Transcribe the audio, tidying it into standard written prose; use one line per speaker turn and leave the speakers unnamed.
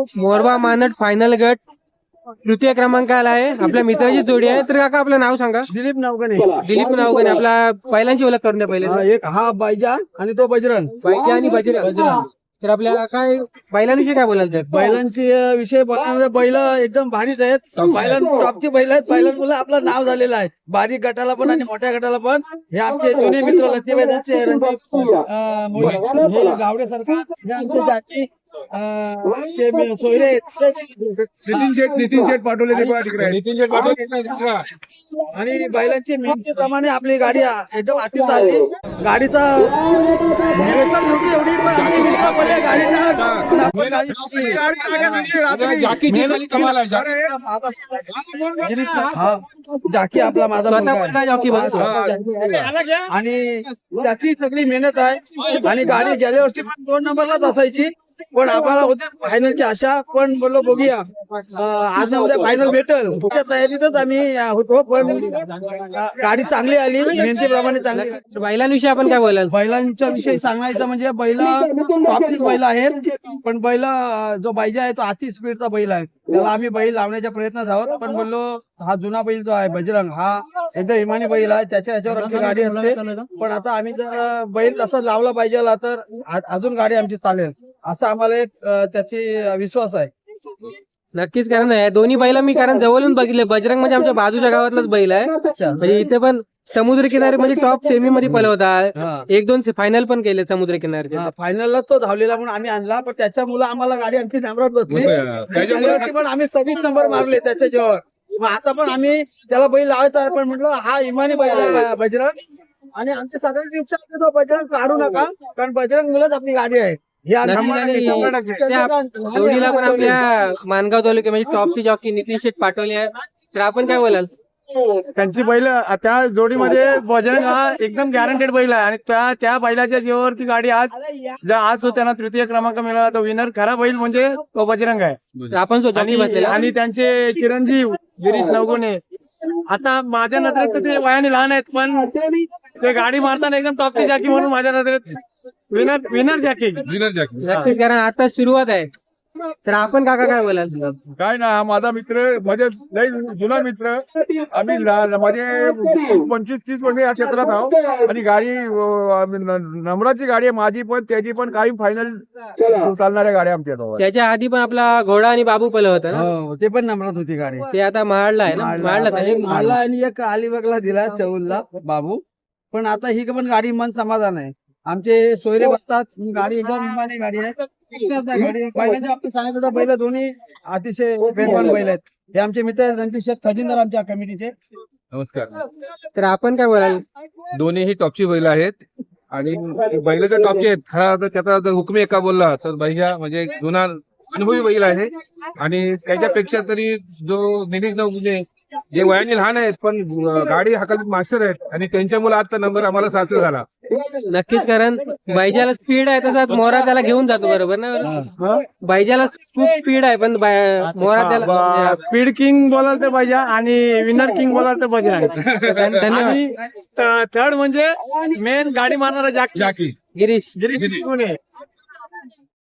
मोरबा मानट फायनल गट तृतीय क्रमांकाला आहे. आपल्या मित्राची जोडी आहे. तर काका आपलं नाव सांगा.
दिलीप नावगणे.
दिलीप नावगणे. आपला बैलांची ओळख करून द्या पहिले.
एक हा बायजा आणि तो बजरंग.
बाईजा आणि बजरंग. तर आपल्याला काय बैलांविषयी काय बोलायचं आहे?
बैलांची विषय बोलण्यामध्ये बैल एकदम भारीच आहेत. बैलां टॉपची बैल आहेत. बैलांमुळे आपलं नाव झालेलं आहे. बारीक गटाला पण आणि मोठ्या गटाला पण. हे आमचे जुने मित्र लतीबाईचे रणजित हे गावडे सरकार, हे आमचे जाती आमचे सोयरे नितीन शेठ पाठवले आणि बैलांची मेहनतीप्रमाणे आपली गाडी एकदम अति चालली. गाडीचा एवढी पण आमची मित्र बोलले जाकी आपला माझा आणि त्याची सगळी मेहनत आहे. आणि गाडी गेल्या वर्षी पण 2 नंबरलाच असायची, पण आपल्याला होते फायनलची आशा. पण बोललो बघूया आज उद्या फायनल भेटल, त्या तयारीतच आम्ही होतो. पण गाडी चांगली आली, मेहनतीप्रमाणे चांगली.
बैलांविषयी आपण काय बोलाल?
बैलांच्या विषयी सांगायचं म्हणजे बैल टॉपचीच बैल आहेत. पण बैल जो बायजा आहे तो अति स्पीडचा बैल आहे. त्याला आम्ही बैल लावण्याच्या प्रयत्नात आहोत. पण बोललो हा जुना बैल जो आहे बजरंग, हा एकदम इमानी बैल आहे. त्याच्या ह्याच्यावर आमची गाडी असते. पण आता आम्ही जर बैल तसा लावला पाहिजे तर अजून गाडी आमची चालेल, असा आम्हाला एक त्याची विश्वास आहे.
नक्कीच. कारण दोन्ही बैल मी कारण जवळून बघितले. बजरंग म्हणजे आमच्या बाजूच्या गावातलाच बैल आहे. म्हणजे इथे पण समुद्र किनारे म्हणजे टॉप सेमी मध्ये पळवता. 1-2 फायनल पण केले समुद्र किनारे.
फायनलला तो धावलेला म्हणून आम्ही आणला. पण त्याच्यामुळे आम्हाला गाडी आमची नंबरात बसली. पण आम्ही 26 नंबर मारले त्याच्या जेव्हा. मग आता पण आम्ही त्याला बैल लावायचा आहे. पण म्हटलं हा इमानी बैल आहे बजरंग. आणि आमची सगळ्यांची इच्छा आहे तो बजरंग काढू नका, कारण बजरंग मुलंच आपली गाडी आहे.
जोडीला पण आपल्या मानगाव तालुक्या म्हणजे टॉपची जॉकी नितीन शेठ पाठवले आहे. तर आपण काय बोलाल?
त्यांची बैल त्या जोडीमध्ये बजरंग हा एकदम गॅरंटेड बैल आहे. आणि त्या बैलाच्या जीवावरती गाडी आज जो त्यांना तृतीय क्रमांक मिळाला तो विनर खरा बैल म्हणजे तो बजरंग आहे.
आपण
आणि त्यांचे चिरंजीव गिरीश नवगुणे. आता माझ्या नजरेत ते वयाने लहान आहेत, पण ते गाडी मारताना एकदम टॉपची जॅकी म्हणून माझ्या नजरेत विनर जॅकी.
नक्कीच. कारण आता सुरुवात आहे. तर आपण काका काय बोलाल?
काय ना, माझा मित्र म्हणजे लय जुना मित्र. आम्ही माझे 25-30 वर्ष या क्षेत्रात आहोत. आणि गाडी नंबराची गाडी आहे माझी पण, त्याची पण. काही फायनल चालणाऱ्या गाड्या आमच्या.
त्याच्या आधी पण आपला घोडा आणि बाबू पल होता ना,
ते पण नंबरात होती गाडी.
ते आता महाडला आहे ना.
महाडला आणि एक अलिबागला दिला चौलला बाबू. पण आता ही पण गाडी मन समाधान आहे. आमचे सोयरे बसतात. गाडी एकदम इमानी गाडी आहे. बैलांच्या बाबतीत सांगायचं तर बैल दोन्ही अतिशय वेगवान बैल आहेत. हे आमचे मित्र रणजित शेठ खजिनदार आमच्या कमिटीचे.
नमस्कार.
तर आपण काय बोलाल?
दोन्हीही टॉपची बैल आहेत. आणि बैल तर टॉपचे आहेत. खरा तर त्याचा जर हुकमी एका बोलला तर बैजा म्हणजे जुना अनुभवी बैल आहे. आणि त्याच्यापेक्षा तरी जो नितीन नवगुणे जे वयाने लहान आहेत पण गाडी हाकालीत मास्टर आहेत. आणि त्यांच्यामुळे आजचा नंबर आम्हाला सार्थ झाला.
नक्कीच. कारण बैजाला स्पीड आहे तसाच मोरा त्याला घेऊन जातो. बरोबर ना? बैजाला खूप स्पीड आहे पण मोरा त्याला
स्पीड किंग बोलाल तर बैजा आणि विनर किंग बोलाल तर बजरंग.
धन्यवाद.
थर्ड म्हणजे मेन गाडी मारणारा जाकी
गिरीश.
नवगुणे.